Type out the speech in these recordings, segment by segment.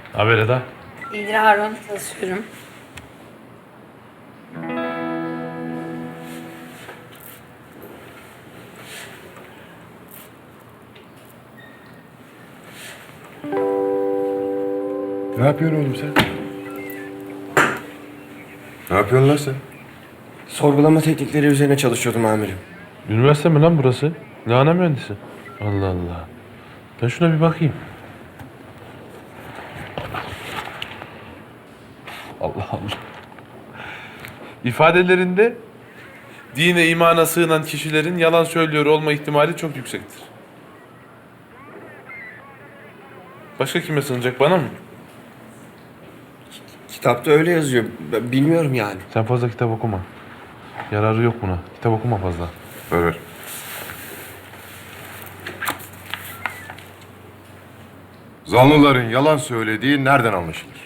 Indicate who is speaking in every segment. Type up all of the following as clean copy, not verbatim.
Speaker 1: Haber Eda.
Speaker 2: İyidir Harun, çalışıyorum.
Speaker 3: Ne yapıyorsun oğlum sen? Ne yapıyorsun lan sen?
Speaker 4: Sorgulama teknikleri üzerine çalışıyordum amirim.
Speaker 1: Üniversite mi lan burası? Lahana mühendisi. Allah Allah. Ben şuna bir bakayım. Allah Allah. İfadelerinde dine imana sığınan kişilerin yalan söylüyor olma ihtimali çok yüksektir. Başka kime sığınacak, bana mı?
Speaker 4: Kitapta öyle yazıyor. Bilmiyorum yani.
Speaker 1: Sen fazla kitap okuma. Yararı yok buna. Kitap okuma fazla.
Speaker 3: Ver ver. Zanlıların yalan söylediği nereden anlaşılır?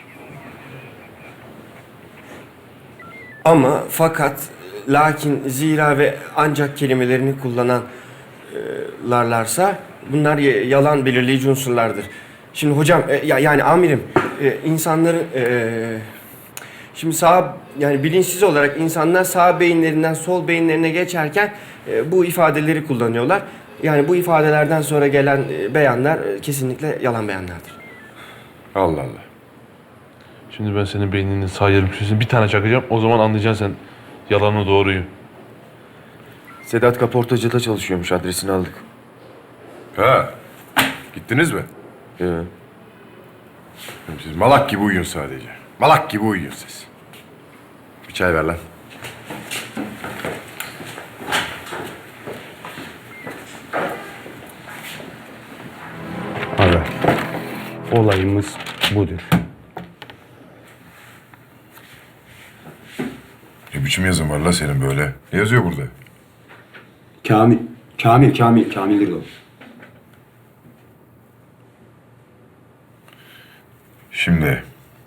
Speaker 4: Ama, fakat, lakin, zira ve ancak kelimelerini kullananlarsa bunlar yalan belirleyici unsurlardır. Şimdi hocam, yani amirim, insanların şimdi yani bilinçsiz olarak insanlar sağ beyinlerinden sol beyinlerine geçerken bu ifadeleri kullanıyorlar. Yani bu ifadelerden sonra gelen beyanlar kesinlikle yalan beyanlardır.
Speaker 3: Allah Allah.
Speaker 1: Şimdi ben senin beyninin sağ yarım köşesine bir tane çakacağım. O zaman anlayacaksın sen yalanı doğruyu.
Speaker 4: Sedat kaportacıda çalışıyormuş, adresini aldık.
Speaker 3: Ha. Gittiniz mi? Siz malak gibi uyuyun sadece. Malak gibi uyuyun siz. Bir çay ver lan.
Speaker 5: Haber. Olayımız budur.
Speaker 3: Ne biçim yazın var la senin böyle? Ne yazıyor burada?
Speaker 5: Kamil'dir o.
Speaker 3: Şimdi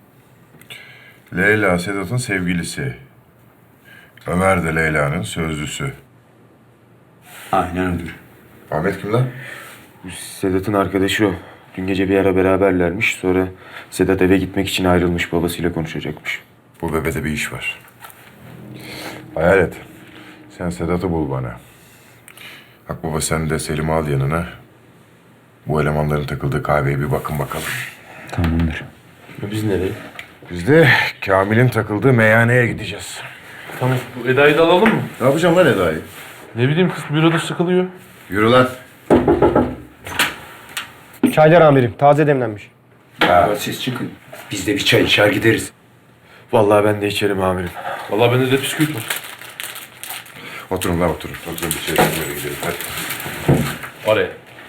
Speaker 3: Leyla Sedat'ın sevgilisi. Ömer de Leyla'nın sözlüsü.
Speaker 5: Aynen odur.
Speaker 3: Ahmet kim lan?
Speaker 4: Sedat'ın arkadaşı o. Dün gece bir ara beraberlermiş. Sonra Sedat eve gitmek için ayrılmış. Babasıyla konuşacakmış.
Speaker 3: Bu bebede bir iş var. Hayal et. Sen Sedat'ı bul bana. Akbaba sen de Selim'i al yanına. Bu elemanların takıldığı kahveye bir bakın bakalım.
Speaker 5: Tamamdır.
Speaker 4: Biz nereye?
Speaker 3: Biz de Kamil'in takıldığı meyhaneye gideceğiz.
Speaker 1: Tamam. Bu Eda'yı da alalım mı?
Speaker 3: Ne yapacağım lan Eda'yı?
Speaker 1: Ne bileyim, kız büroda sıkılıyor.
Speaker 3: Yürü lan.
Speaker 4: Çaylar amirim. Taze demlenmiş.
Speaker 5: Siz çıkın. Biz de bir çay içer gideriz.
Speaker 4: Vallahi ben de içerim amirim.
Speaker 1: Vallahi bende de bisküvit var.
Speaker 3: Oturun lan oturun. Oturun bir şey yapmaya gidelim hadi.
Speaker 1: Oraya.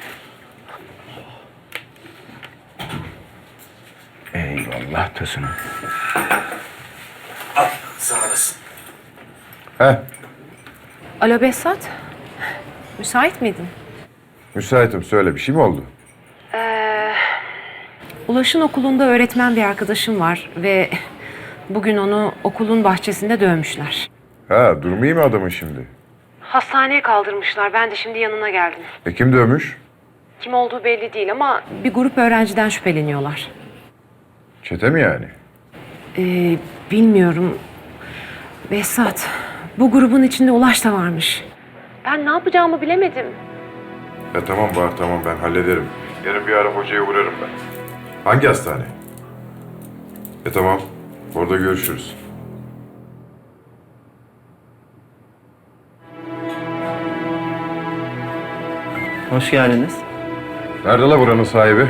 Speaker 5: Eyvallah Tosun'um.
Speaker 4: Sağ olasın.
Speaker 3: Heh,
Speaker 2: Alo Behzat, müsait miydin?
Speaker 3: müsaitim. Söyle, bir şey mi oldu?
Speaker 2: Ulaş'ın okulunda öğretmen bir arkadaşım var ve bugün onu okulun bahçesinde dövmüşler.
Speaker 3: Ha, durumu iyi mi adamın şimdi?
Speaker 2: Hastaneye kaldırmışlar. Ben de şimdi yanına geldim.
Speaker 3: Kim dövmüş?
Speaker 2: Kim olduğu belli değil ama bir grup öğrenciden şüpheleniyorlar.
Speaker 3: Çete mi yani?
Speaker 2: Bilmiyorum. Behzat, bu grubun içinde Ulaş da varmış. Ben ne yapacağımı bilemedim.
Speaker 3: Ya tamam Bahar, tamam ben hallederim. Yarın bir ara hocaya uğrarım ben. Hangi hastane? Tamam, orada görüşürüz.
Speaker 6: Hoş geldiniz.
Speaker 3: Nerede la buranın sahibi?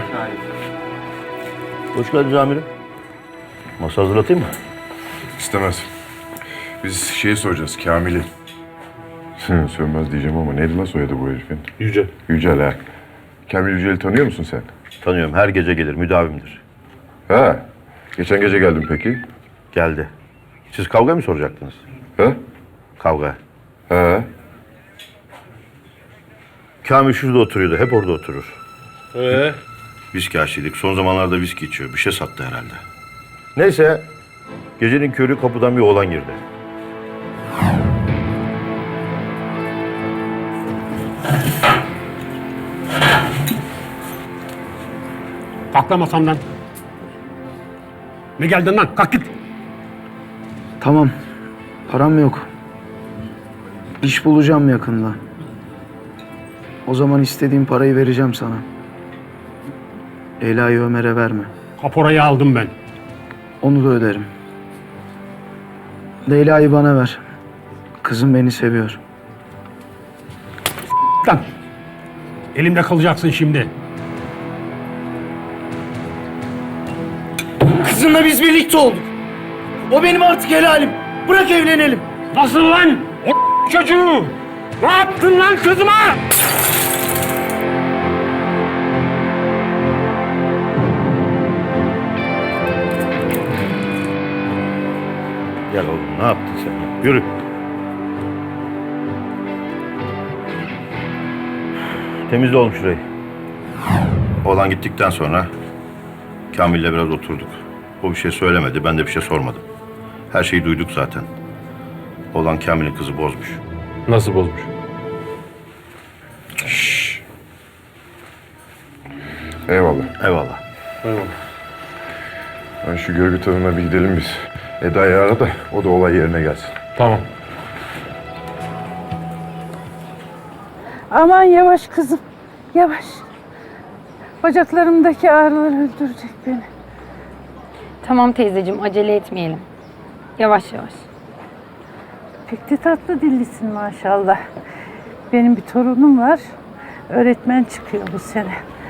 Speaker 6: Hoş geldiniz amirim. Masa hazırlatayım mı?
Speaker 3: İstemez. Biz şeyi soracağız, Kamil'i. Sönmez diyeceğim ama neydi la soyadı bu herifin?
Speaker 1: Yüce.
Speaker 3: Yücel ha. Kamil Yücel'i tanıyor musun sen?
Speaker 6: Tanıyorum. Her gece gelir. Müdavimdir.
Speaker 3: Ha. Geçen gece geldim peki.
Speaker 6: Geldi. Siz kavga mı soracaktınız?
Speaker 3: Ha?
Speaker 6: Kavga.
Speaker 3: Ha.
Speaker 6: Kamil şurada oturuyordu. Hep orada oturur. Viski aşçılık. Son zamanlarda viski içiyor. Bir şey sattı herhalde. Neyse. Gecenin körü kapıdan bir oğlan girdi.
Speaker 5: Kalk lan masamdan.
Speaker 7: Ne geldin lan? Kalk git.
Speaker 8: Tamam. Param yok. İş bulacağım yakında. O zaman istediğim parayı vereceğim sana. Leyla'yı Ömer'e verme.
Speaker 7: Kaporayı aldım ben.
Speaker 8: Onu da öderim. Leyla'yı bana ver. Kızım beni seviyor.
Speaker 7: Lan. Elimde kalacaksın şimdi.
Speaker 8: Kızımla biz birlikte olduk. O benim artık helalim. Bırak evlenelim.
Speaker 7: Nasıl lan? O çocuğu! Ne yaptın lan kızıma?
Speaker 6: Gel oğlum, ne yaptın sen? Yürü. Temizle oğlum şurayı. Oğlan gittikten sonra Kamil'le biraz oturduk. O bir şey söylemedi, ben de bir şey sormadım. Her şeyi duyduk zaten. Oğlan Kamil'in kızı bozmuş.
Speaker 1: Nasıl bozmuş?
Speaker 3: Eyvallah.
Speaker 6: Eyvallah.
Speaker 3: Ben şu görgü tanığına bir gidelim biz. Eda'yı ara da o da olay yerine gelsin.
Speaker 1: Tamam.
Speaker 9: Aman yavaş kızım, yavaş. Bacaklarımdaki ağrılar öldürecek beni.
Speaker 10: Tamam teyzeciğim, acele etmeyelim. Yavaş yavaş.
Speaker 9: Pek de tatlı dillisin maşallah. Benim bir torunum var, öğretmen çıkıyor bu sene.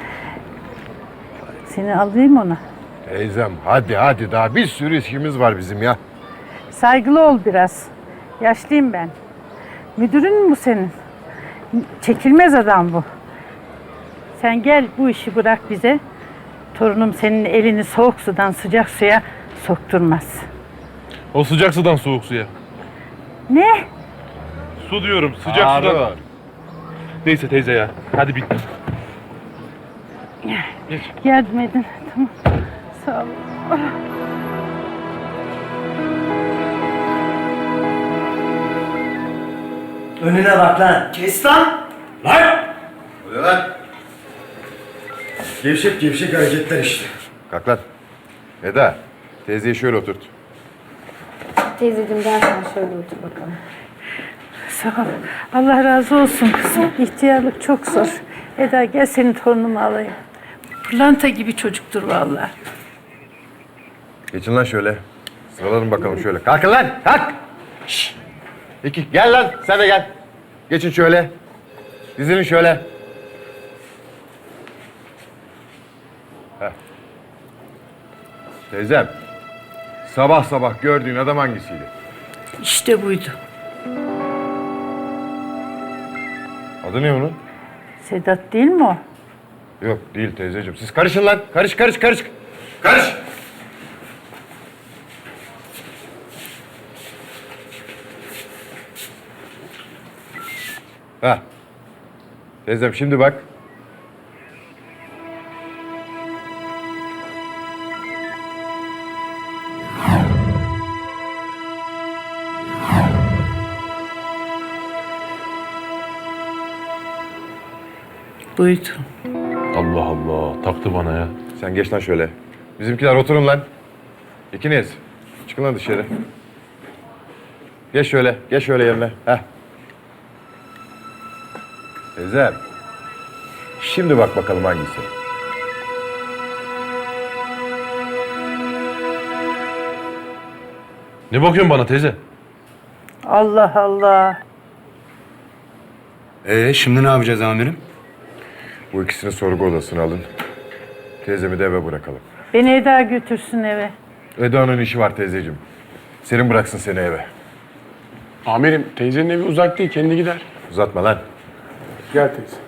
Speaker 9: Seni alayım ona.
Speaker 3: Teyzem hadi daha bir sürü işimiz var bizim ya.
Speaker 9: Saygılı ol biraz. Yaşlıyım ben. Müdürün mü bu senin? Çekilmez adam bu. Sen gel bu işi bırak bize. Torunum senin elini soğuk sudan sıcak suya sokturmaz.
Speaker 1: O sıcak sudan soğuk suya.
Speaker 9: Ne?
Speaker 1: Su diyorum, sıcak sudan. Neyse teyze ya, hadi bitti.
Speaker 9: Yardım edin. Tamam. Sağ ol.
Speaker 8: Önüne bak lan. Kes lan.
Speaker 7: Lan!
Speaker 3: Öyle lan.
Speaker 5: Gevşek gevşek hareketler işte.
Speaker 3: Kalk lan. Eda, teyzeyi şöyle oturt.
Speaker 10: Teyzeciğim gel sen şöyle otur bakalım.
Speaker 9: Sağ ol. Allah razı olsun kızım. İhtiyarlık çok zor. Eda gel senin torunumu alayım. Pırlanta gibi çocuktur vallahi.
Speaker 3: Geçin lan şöyle. Sıralanın bakalım şöyle. Kalkın lan, kalk. Şşş. İki, gel lan, sen de gel. Geçin şöyle. Dizilin şöyle. Heh. Teyzem, sabah sabah gördüğün adam hangisiydi?
Speaker 9: İşte buydu.
Speaker 3: Adı ne onun?
Speaker 9: Sedat değil mi o?
Speaker 3: Yok, değil teyzeciğim. Siz karışın lan. Karış. Karış. Ha. Teyzem şimdi bak.
Speaker 9: Buydu.
Speaker 1: Allah Allah, taktı bana ya.
Speaker 3: Sen geç lan şöyle. Bizimkiler oturun lan. İkiniz. Çıkın lan dışarı. Geç şöyle yerine. Heh. Teyzem. Şimdi bak bakalım hangisi.
Speaker 1: Ne bakıyorsun bana teyze?
Speaker 9: Allah Allah.
Speaker 5: Şimdi ne yapacağız amirim?
Speaker 3: Bu ikisini sorgu odasına alın. Teyzemi de eve bırakalım.
Speaker 9: Beni Eda götürsün eve.
Speaker 3: Eda'nın işi var teyzeciğim. Selim bıraksın seni eve.
Speaker 7: Amirim, teyzenin evi uzak değil, kendi gider.
Speaker 3: Uzatma lan.
Speaker 7: Gel teyze.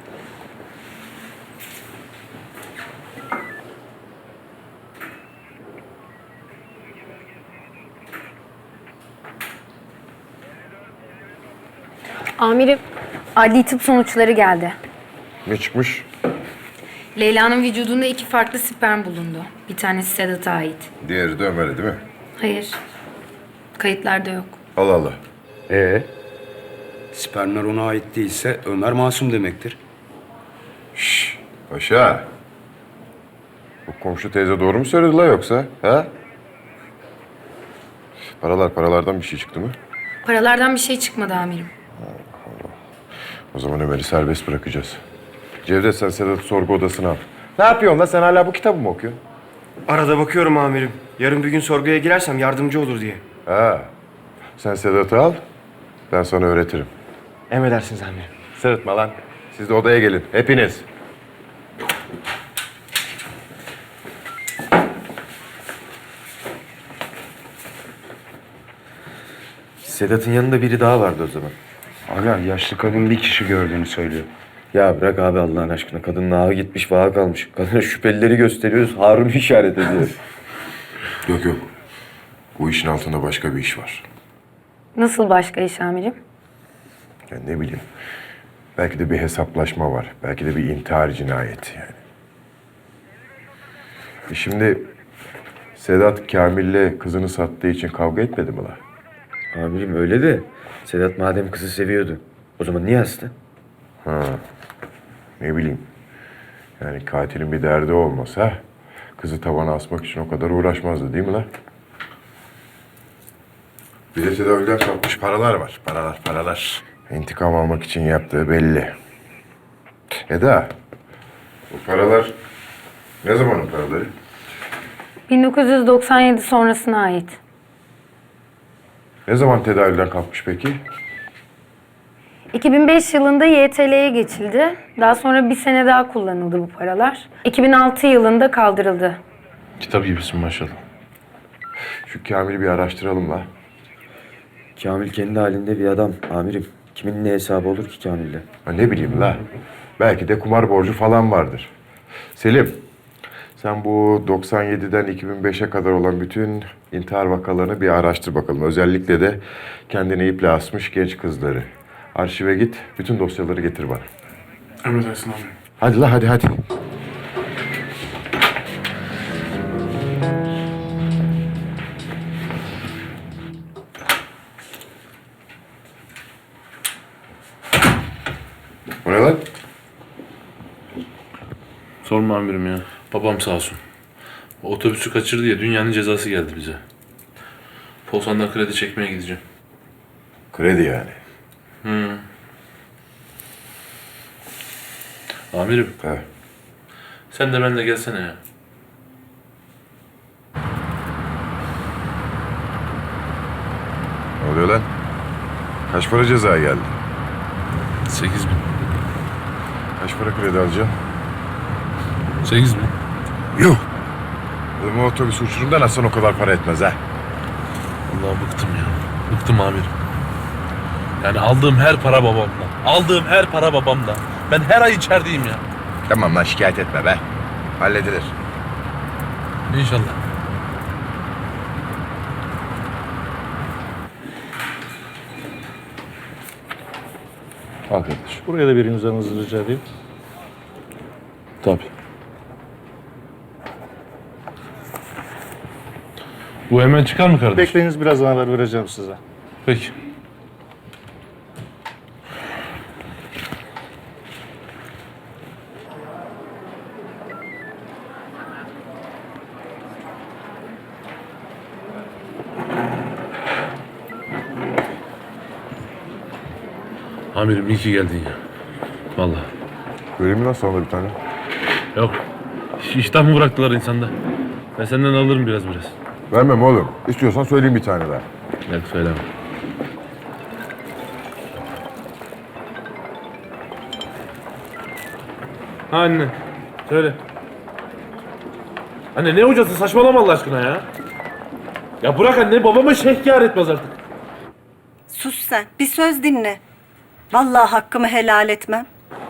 Speaker 10: Amirim, adli tıp sonuçları geldi.
Speaker 3: Ne çıkmış?
Speaker 10: Leyla'nın vücudunda 2 farklı sperm bulundu. Bir tanesi Sedat'a ait.
Speaker 3: Diğeri de Ömer'e değil mi?
Speaker 10: Hayır, kayıtlarda yok.
Speaker 3: Allah Allah.
Speaker 5: Spermler ona ait değilse Ömer masum demektir.
Speaker 3: Paşa. Bu komşu teyze doğru mu söyledi la yoksa? Ha? Paralardan bir şey çıktı mı?
Speaker 10: Paralardan bir şey çıkmadı amirim.
Speaker 3: O zaman Ömer'i serbest bırakacağız. Cevdet, sen Sedat'ı sorgu odasına al. Ne yapıyorsun lan? Sen hala bu kitabı mı okuyorsun?
Speaker 4: Arada bakıyorum amirim. Yarın bir gün sorguya girersem yardımcı olur diye.
Speaker 3: Ha. Sen Sedat'ı al, ben sana öğretirim.
Speaker 4: Emredersiniz amirim.
Speaker 3: Sırıtma lan. Siz de odaya gelin, hepiniz.
Speaker 5: Sedat'ın yanında biri daha vardı o zaman.
Speaker 7: Aga yaşlı kadın bir kişi gördüğünü söylüyor.
Speaker 5: Ya bırak abi Allah'ın aşkına. Kadının ağı gitmiş, vaha kalmış. Kadına şüphelileri gösteriyoruz. Harun'u işaret ediyor.
Speaker 3: Yok yok. Bu işin altında başka bir iş var.
Speaker 10: Nasıl başka iş amirim?
Speaker 3: Ya ne bileyim. Belki de bir hesaplaşma var. Belki de bir intihar cinayeti yani. Şimdi Sedat Kamil'le kızını sattığı için kavga etmedi mi la?
Speaker 5: Amirim öyle de Sedat madem kızı seviyordu. O zaman niye astı?
Speaker 3: Ne bileyim. Yani katilin bir derdi olmasa kızı tavana asmak için o kadar uğraşmazdı değil mi la? Bir de tedavülden kalkmış paralar var. Paralar. İntikam almak için yaptığı belli. Eda, bu paralar ne zamanın paraları?
Speaker 10: 1997 sonrasına ait.
Speaker 3: Ne zaman tedavülden kalkmış peki?
Speaker 10: 2005 yılında YTL'ye geçildi. Daha sonra bir sene daha kullanıldı bu paralar. 2006 yılında kaldırıldı.
Speaker 1: Kitap gibisin maşallah.
Speaker 3: Şu Kamil'i bir araştıralım la.
Speaker 5: Kamil kendi halinde bir adam amirim. Kimin ne hesabı olur ki Kamil'le?
Speaker 3: Ha, ne bileyim la. Belki de kumar borcu falan vardır. Selim, sen bu 97'den 2005'e kadar olan bütün intihar vakalarını bir araştır bakalım. Özellikle de kendini iple asmış genç kızları. Arşive git, bütün dosyaları getir bana.
Speaker 7: Emredersin abi.
Speaker 3: Hadi la hadi. O ne lan?
Speaker 1: Sorma amirim ya. Babam sağ olsun. O otobüsü kaçırdı ya, dünyanın cezası geldi bize. Polsan'dan kredi çekmeye gideceğim.
Speaker 3: Kredi yani.
Speaker 1: Amirim,
Speaker 3: He.
Speaker 1: sen de benimle gelsene ya.
Speaker 3: Ne oluyor lan? Kaç para ceza geldi?
Speaker 1: 8.000.
Speaker 3: Kaç para kredi alacaksın?
Speaker 1: 8.000.
Speaker 3: Yuh! Oğlum o otobüs uçurumdan atsan o kadar para etmez ha.
Speaker 1: Vallahi bıktım ya. Bıktım amirim. Yani aldığım her para babamdan. Ben her ay içerideyim ya.
Speaker 3: Tamam lan şikayet etme be. Halledilir.
Speaker 1: İnşallah. Al kardeşim.
Speaker 6: Buraya da bir imzanızı rica edeyim.
Speaker 1: Tabii. Bu hemen çıkar mı kardeşim?
Speaker 6: Bekleyiniz, birazdan haber vereceğim size.
Speaker 1: Peki. Amirim iyi ki geldin ya. Vallahi.
Speaker 3: Vereyim mi lan sana bir tane?
Speaker 1: Yok. İştah mı bıraktılar insanda? Ben senden alırım biraz.
Speaker 3: Vermem oğlum. İstiyorsan söyleyeyim bir tane daha.
Speaker 1: Yok söyleme. Ha anne. Söyle. Anne ne hocası, saçmalama Allah aşkına ya. Ya bırak anne, babama şehkâr etmez artık.
Speaker 11: Sus sen. Bir söz dinle. Vallahi hakkımı helal etmem.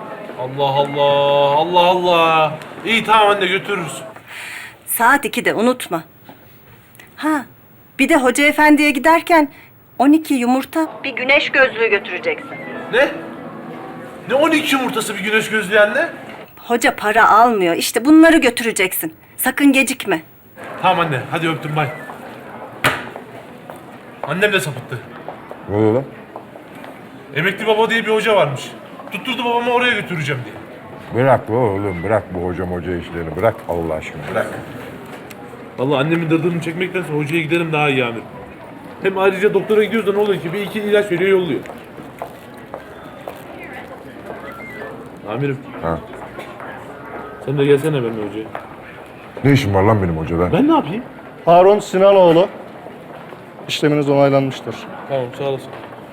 Speaker 1: Allah. İyi tamam anne, götürürüz.
Speaker 11: Saat 2'de unutma. Ha, bir de hoca efendiye giderken 12 yumurta bir güneş gözlüğü götüreceksin.
Speaker 1: Ne? Ne 12 yumurtası bir güneş gözlüğü anne?
Speaker 11: Hoca para almıyor. İşte bunları götüreceksin. Sakın gecikme.
Speaker 1: Tamam anne, hadi öptüm, bay. Annem de sapıttı.
Speaker 3: Ne oluyor lan?
Speaker 1: Emekli baba diye bir hoca varmış. Tutturdu babamı oraya götüreceğim diye.
Speaker 3: Bırak oğlum, bırak bu hoca işlerini. Bırak Allah aşkına, bırak.
Speaker 1: Vallahi annemin dırdırını çekmektense hocaya giderim daha iyi amirim. Hem ayrıca doktora gidiyoruz da ne oluyor ki? Bir iki ilaç veriyor yolluyor. Amirim.
Speaker 3: Ha.
Speaker 1: Sen de gelsene benimle hocaya.
Speaker 3: Ne işin var lan benim hocada?
Speaker 1: Ben ne yapayım?
Speaker 7: Harun Sinanoğlu. İşleminiz onaylanmıştır.
Speaker 1: Tamam sağ olasın.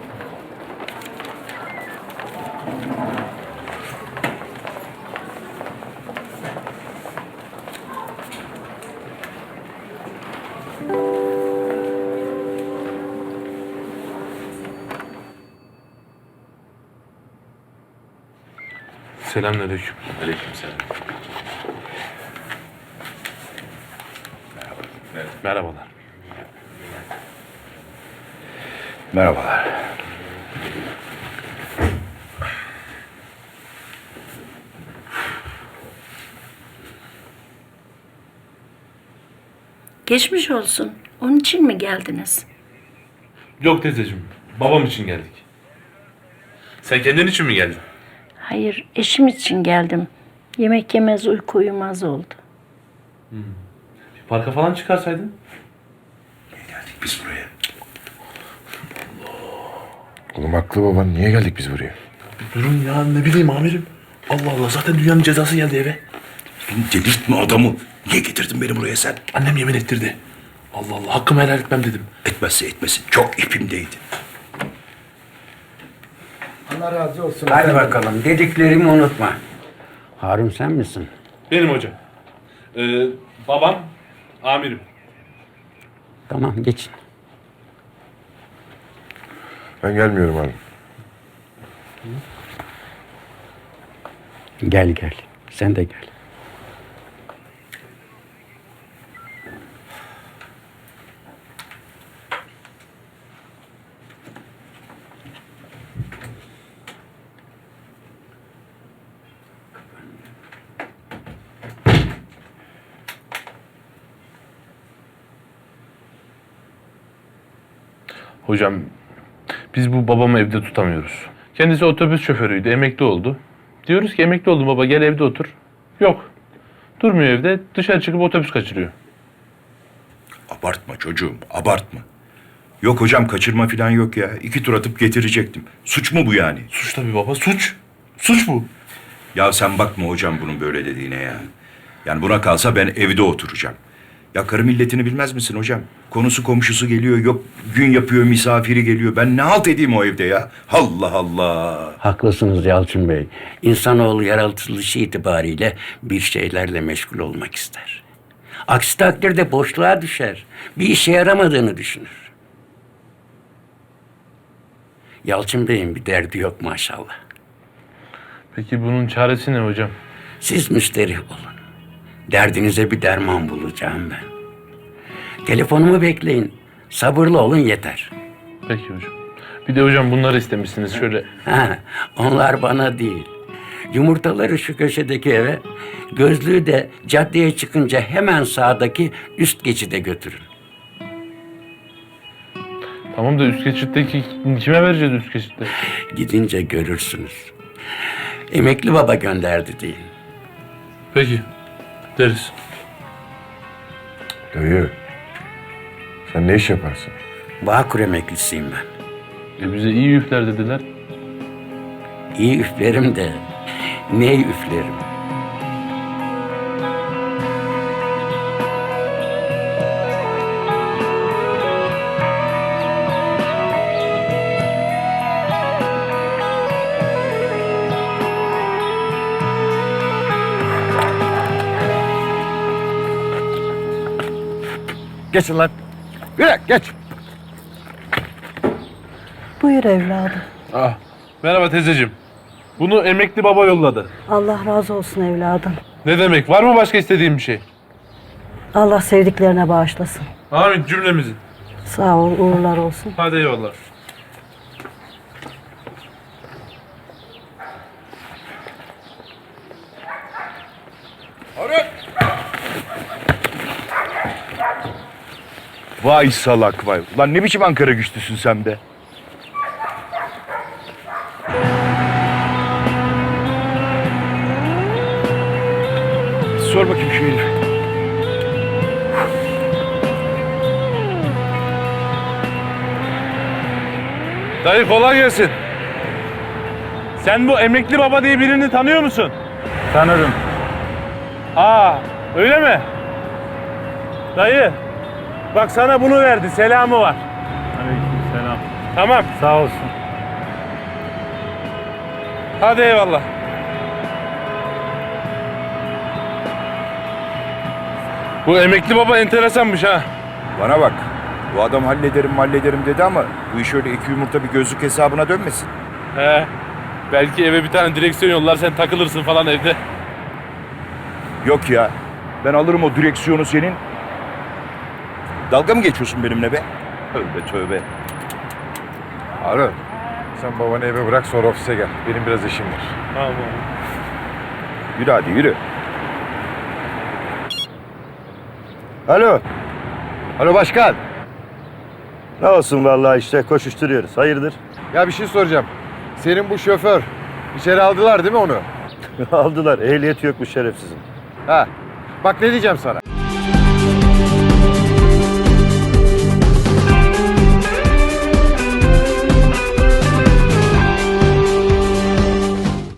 Speaker 1: Selamünaleyküm.
Speaker 3: Aleykümselam.
Speaker 1: Merhabalar.
Speaker 3: Merhabalar.
Speaker 12: Geçmiş olsun. Onun için mi geldiniz?
Speaker 1: Yok teyzeciğim, babam için geldik. Sen kendin için mi geldin?
Speaker 12: Hayır, eşim için geldim. Yemek yemez, uyku uyumaz oldu.
Speaker 1: Bir parka falan çıkarsaydın.
Speaker 3: Biz buraya. Oğlum haklı baban. Niye geldik biz buraya?
Speaker 1: Durun ya, ne bileyim amirim. Allah Allah, zaten dünyanın cezası geldi eve.
Speaker 13: Delirtme adamı. Niye getirdin beni buraya sen?
Speaker 1: Annem yemin ettirdi. Allah Allah, hakkımı helal etmem dedim.
Speaker 13: Etmezse etmesin. Çok ipimdeydi.
Speaker 8: Allah razı olsun.
Speaker 14: Hadi bakalım, dediklerimi unutma. Harun sen misin?
Speaker 1: Benim hocam. Babam, amirim.
Speaker 14: Tamam, geçin.
Speaker 3: Ben gelmiyorum abi.
Speaker 14: Gel gel, sen de gel.
Speaker 1: Hocam, biz bu babamı evde tutamıyoruz. Kendisi otobüs şoförüydü, emekli oldu. Diyoruz ki emekli oldum baba, gel evde otur. Yok. Durmuyor evde, dışarı çıkıp otobüs kaçırıyor.
Speaker 13: Abartma çocuğum, abartma. Yok hocam, kaçırma falan yok ya. 2 tur atıp getirecektim. Suç mu bu yani?
Speaker 1: Suç tabii baba, suç. Suç bu.
Speaker 13: Ya sen bakma hocam bunun böyle dediğine ya. Yani buna kalsa ben evde oturacağım. Ya karı milletini bilmez misin hocam? Konusu komşusu geliyor, yok gün yapıyor, misafiri geliyor. Ben ne halt edeyim o evde ya? Allah Allah.
Speaker 14: Haklısınız Yalçın Bey. İnsanoğlu yaratılışı itibariyle bir şeylerle meşgul olmak ister. Aksi takdirde boşluğa düşer. Bir işe yaramadığını düşünür. Yalçın Bey'in bir derdi yok maşallah.
Speaker 1: Peki bunun çaresi ne hocam?
Speaker 14: Siz müsterih olun. Derdinize bir derman bulacağım ben. Telefonumu bekleyin. Sabırlı olun yeter.
Speaker 1: Peki hocam. Bir de hocam bunları istemişsiniz şöyle.
Speaker 14: Ha, onlar bana değil. Yumurtaları şu köşedeki eve, gözlüğü de caddeye çıkınca hemen sağdaki üst geçide götürün.
Speaker 1: Tamam da üst geçitteki kime vereceğiz üst geçitte?
Speaker 14: Gidince görürsünüz. Emekli baba gönderdi deyin.
Speaker 1: Peki. Deriz.
Speaker 3: Dayı. Sen ne iş yaparsın?
Speaker 14: Bağkur emeklisiyim ben.
Speaker 1: Bize iyi üfler dediler.
Speaker 14: İyi üflerim de ne üflerim.
Speaker 7: Geçin lan. Yürü geç.
Speaker 15: Buyur evladım.
Speaker 1: Ah. Merhaba teyzeciğim. Bunu emekli baba yolladı.
Speaker 15: Allah razı olsun evladım.
Speaker 1: Ne demek? Var mı başka istediğin bir şey?
Speaker 15: Allah sevdiklerine bağışlasın.
Speaker 1: Amin cümlemizin.
Speaker 15: Sağ ol, uğurlar olsun.
Speaker 1: Hadi eyvallah.
Speaker 7: Vay salak vay. Ulan ne biçim Ankara güçlüsün sen be. Sor bakayım şu herife.
Speaker 1: Dayı kolay gelsin. Sen bu emekli baba diye birini tanıyor musun?
Speaker 7: Tanırım.
Speaker 1: Aa, öyle mi? Dayı, bak sana bunu verdi, selamı var.
Speaker 7: Aleykümselam.
Speaker 1: Tamam.
Speaker 7: Sağ olsun.
Speaker 1: Hadi eyvallah. Bu emekli baba enteresanmış ha.
Speaker 13: Bana bak. Bu adam hallederim dedi ama bu iş öyle iki yumurta bir gözlük hesabına dönmesin.
Speaker 1: He. Belki eve bir tane direksiyon yollar, sen takılırsın falan evde.
Speaker 13: Yok ya. Ben alırım o direksiyonu senin. Dalga mı geçiyorsun benimle be? Tövbe tövbe.
Speaker 3: Harun, sen babanı eve bırak sonra ofise gel. Benim biraz işim var.
Speaker 1: Tamam.
Speaker 13: Yürü hadi yürü. Alo.
Speaker 3: Alo başkan.
Speaker 6: Ne olsun vallahi işte koşuşturuyoruz. Hayırdır?
Speaker 3: Ya bir şey soracağım. Senin bu şoför, içeri aldılar değil mi onu?
Speaker 6: Aldılar. Ehliyeti yokmuş şerefsizin.
Speaker 3: Ha. Bak ne diyeceğim sana.